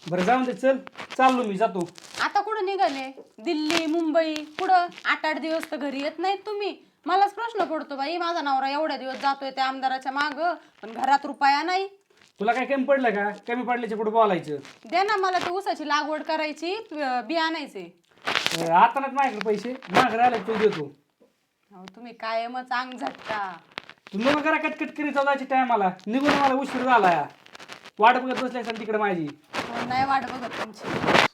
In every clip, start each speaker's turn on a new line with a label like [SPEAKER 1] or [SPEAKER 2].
[SPEAKER 1] बरं जाऊन दे, चल चाललो मी जातो.
[SPEAKER 2] आता कुठं निघाले? दिल्ली मुंबई कुठं? 8-8 दिवस तर घरी येत नाहीत तुम्ही. मलाच प्रश्न पडतो बाई, माझा नवरा एवढ्या दिवस जातोय त्या आमदाराच्या माग, पण घरात रुपया नाही.
[SPEAKER 1] तुला काय कमी पडलं का? कमी पडल्याच्या पुढे बोलायचं.
[SPEAKER 2] दे ना मला ते ऊसाची लागवड करायची, बी आणायचे.
[SPEAKER 1] आता नाही माझ्याकडे पैसे, माझ्याकडे आले तू देतो.
[SPEAKER 2] अहो तुम्ही कायमच अंग झटका.
[SPEAKER 1] तू मग करा कटकट करीत जायची टायमाला निघून मला उशीर झाला या. वाट बघत बसल्या असेल तिकडे माझी.
[SPEAKER 2] कोण नाही वाट बघत तुमची.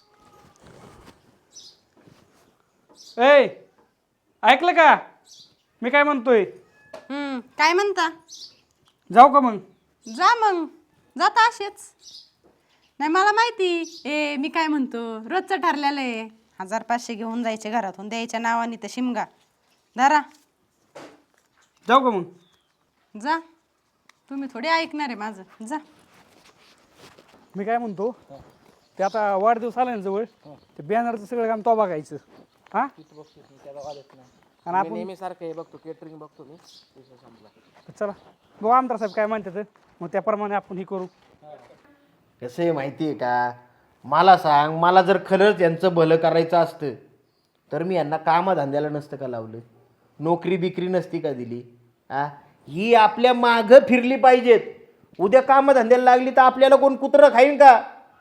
[SPEAKER 1] ए ऐकलं का मी काय म्हणतोय?
[SPEAKER 2] काय म्हणता?
[SPEAKER 1] जाऊ का मग?
[SPEAKER 2] जा मग, जाता असेच. नाही मला माहिती मी काय म्हणतो, रोजचं ठरलेलं आहे 1000-500 घेऊन जायचे घरातून, द्यायच्या नावाने तर शिमगा धरा.
[SPEAKER 1] जाऊ का मग?
[SPEAKER 2] जा, तुम्ही थोडी ऐकणार आहे माझं. जा.
[SPEAKER 1] मी काय म्हणतो, ते आता वाढदिवस आला ना जवळ, ते बॅनरचं सगळं काम तो बघायचं. हा आणि आपण
[SPEAKER 3] नेहमी सारखं हे बघतो, केटरिंग बघतो मी. विषय संपला.
[SPEAKER 1] चला बघू आमदार साहेब काय म्हणतात, मग त्याप्रमाणे आपण हे करू.
[SPEAKER 4] कसं आहे माहिती आहे का, मला सांग, मला जर खरंच यांचं भलं करायचं असतं तर मी यांना कामधंद्याला नसतं का लावलं, नोकरी बिकरी नसती का दिली. ही आपल्या मागं फिरली पाहिजेत. उद्या कामधंद्याला लागली तर आपल्याला कोण कुत्रं खाईन का?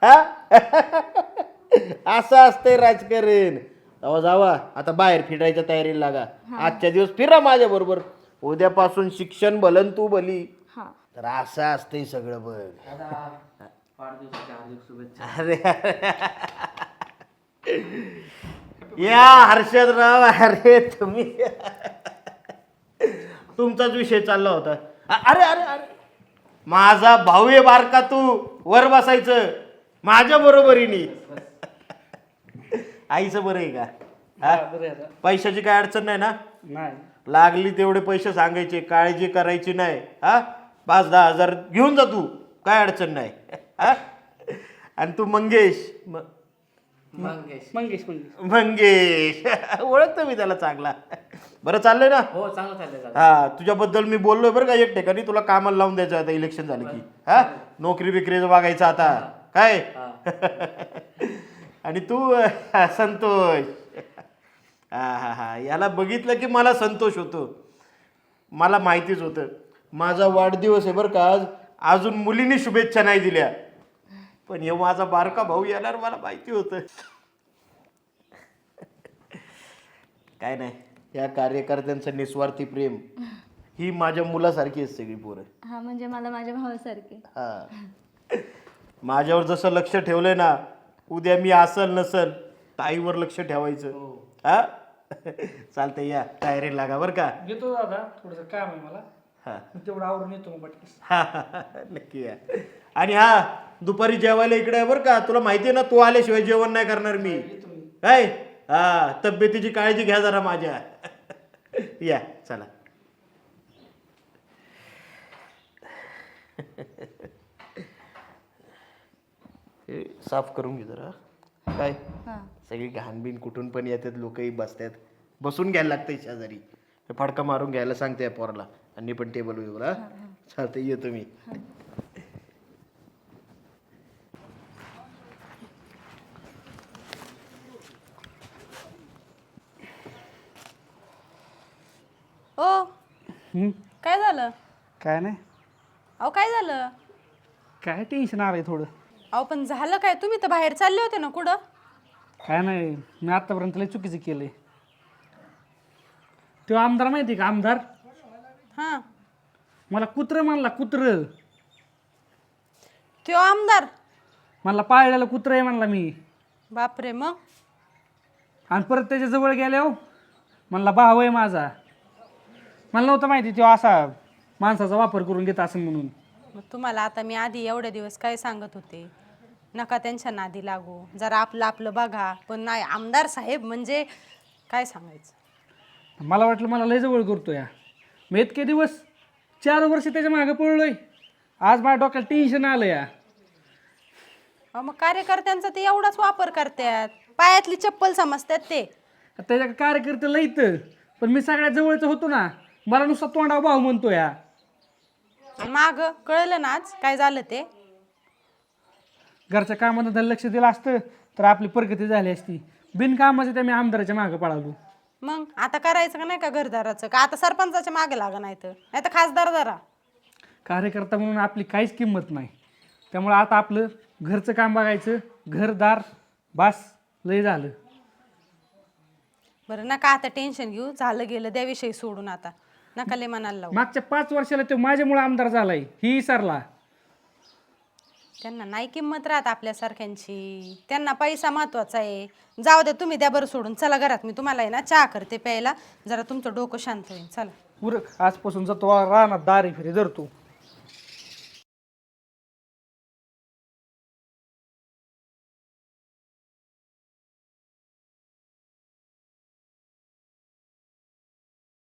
[SPEAKER 4] असं असतंय राजकारण. जावा जावा, आता बाहेर फिरायच्या तयारीला लागा. आजच्या दिवस फिरा माझ्या बरोबर, उद्यापासून शिक्षण भलन तू भली. तर असं असतंय सगळं बघ. अरे या हर्षदराव, अरे तुम्ही तुमचाच विषय चालला होता. अरे अरे अरे माझा भाऊ आहे बारका, तू वर बसायचं माझ्या बरोबरीने. आईचं बरं आहे का? पैशाची काय अडचण नाही ना?
[SPEAKER 1] नाही
[SPEAKER 4] लागली तेवढे पैसे सांगायचे, काळजी करायची नाही. 5-10 हजार घेऊन जा तू, काय अडचण नाही. आणि तू मंगेश
[SPEAKER 1] मंगेश
[SPEAKER 4] मंगेश ओळखतो मी त्याला चांगला. बरं चाललंय ना?
[SPEAKER 3] हो, चांगलं चाललंय.
[SPEAKER 4] हा, तुझ्याबद्दल मी बोललोय बरं का एक ठिकाणी, तुला कामाला लावून द्यायचं आता इलेक्शन झालं की. नोकरी बिकरीचं बघायचं आता काय. आणि तू संतोष, हा याला बघितलं की मला संतोष होतो. मला माहितीच होतं माझा वाढदिवस आहे बरं का आज, अजून मुलींनी शुभेच्छा नाही दिल्या, पण हे माझा बारका भाऊ येणार मला माहिती होतं. काय नाही, या कार्यकर्त्यांचं निस्वार्थी प्रेम ही माझ्या मुलासारखी आहे सगळी पोरं.
[SPEAKER 5] हा म्हणजे मला माझ्या भावासारखे.
[SPEAKER 4] हा, माझ्यावर जसं लक्ष ठेवलंय ना, उद्या मी असल नसल ताईवर लक्ष ठेवायचं. हा चालतंय, या तयारी लागा बरं का.
[SPEAKER 1] घेतो दादा, थोडंसं काम आहे मला.
[SPEAKER 4] हा
[SPEAKER 1] मी तेवढं आवरून येतो मग पटकन.
[SPEAKER 4] नक्की या. आणि दुपारी जेवायला इकडे आहे बरं का, तुला माहिती आहे ना, तू आल्याशिवाय जेवण नाही करणार मी. काय तब्येतीची काळजी घ्या जरा माझ्या. या चला. हे साफ करून घे जरा. काय सगळी घाणबीण कुठून पण येतात, लोकही बसतात, बसून घ्यायला लागतंय शेजारी. फडका मारून घ्यायला सांगते या पोराला. आणि पण टेबल वगैरे चालतंय, येतो मी.
[SPEAKER 2] ओ काय झालं?
[SPEAKER 1] काय नाही,
[SPEAKER 2] अहो काय झालं?
[SPEAKER 1] काय टेन्शन आलंय थोडं.
[SPEAKER 2] अहो पण झालं काय? तुम्ही तर बाहेर चालले होते ना कुठं?
[SPEAKER 1] काय नाही, मी आतापर्यंत लय चुकीचं केलंय. तो आमदार माहिती का, आमदार मला कुत्र म्हणला, कुत्र.
[SPEAKER 2] त्यो आमदार
[SPEAKER 1] मला पाळलेलं कुत्र आहे म्हणला मी.
[SPEAKER 2] बापरे. मग
[SPEAKER 1] आणि परत त्याच्या जवळ गेल्या म्हणला भाऊ आहे माझा. मला नव्हतं माहिती तो असा माणसाचा वापर करून घेत असं म्हणून.
[SPEAKER 2] मग तुम्हाला आता मी आधी एवढे दिवस काय सांगत होते, नका त्यांच्या नादी लागू, जरा आपलं आपलं बघा. पण नाही, आमदार साहेब म्हणजे काय सांगायचं.
[SPEAKER 1] मला वाटलं मला लय जवळ करतो या. मी इतके दिवस 4 वर्ष त्याच्या मागे पळलोय, आज माझ्या डोक्याला टेन्शन आलं या.
[SPEAKER 2] मग कार्यकर्त्यांचा ते एवढाच वापर करतात, पायातली चप्पल समजतात ते.
[SPEAKER 1] त्याच्या कार्यकर्ते लय इथं, पण मी सगळ्यात जवळचं होतो ना, मला नुसता तोंडावर भाऊ म्हणतो या.
[SPEAKER 2] माग कळलं ना आज काय झालं ते.
[SPEAKER 1] घरच्या कामात लक्ष दिलं असतं तर आपली प्रगती झाली असती. बिनकामाचं त्या मी आमदाराच्या मागं पळालो.
[SPEAKER 2] मग आता करायचं का नाही का घरदाराचं, का आता सरपंचाच्या मागे लागा नाही तर खासदार जरा.
[SPEAKER 1] कार्यकर्ता म्हणून आपली काहीच किंमत नाही. त्यामुळे आता आपलं घरचं काम बघायचं, घरदार बास लय झालं.
[SPEAKER 2] बरं नका आता टेन्शन घेऊ, झालं गेलं त्या विषयी सोडून आता नका लय मनाला लावू.
[SPEAKER 1] मागच्या 5 वर्षाला तो माझ्यामुळे आमदार झालाय ही विसरला.
[SPEAKER 2] त्यांना नाही किंमत राहत आपल्यासारख्यांची, त्यांना पैसा महत्वाचा आहे. जाऊ दे तुम्ही द्या बरं सोडून, चला घरात मी तुम्हाला आहे ना चहा करते प्यायला, जरा तुमचं डोकं शांत होईल. चला
[SPEAKER 1] उरक आजपासून जातो रानात दारी फिरे धरतो.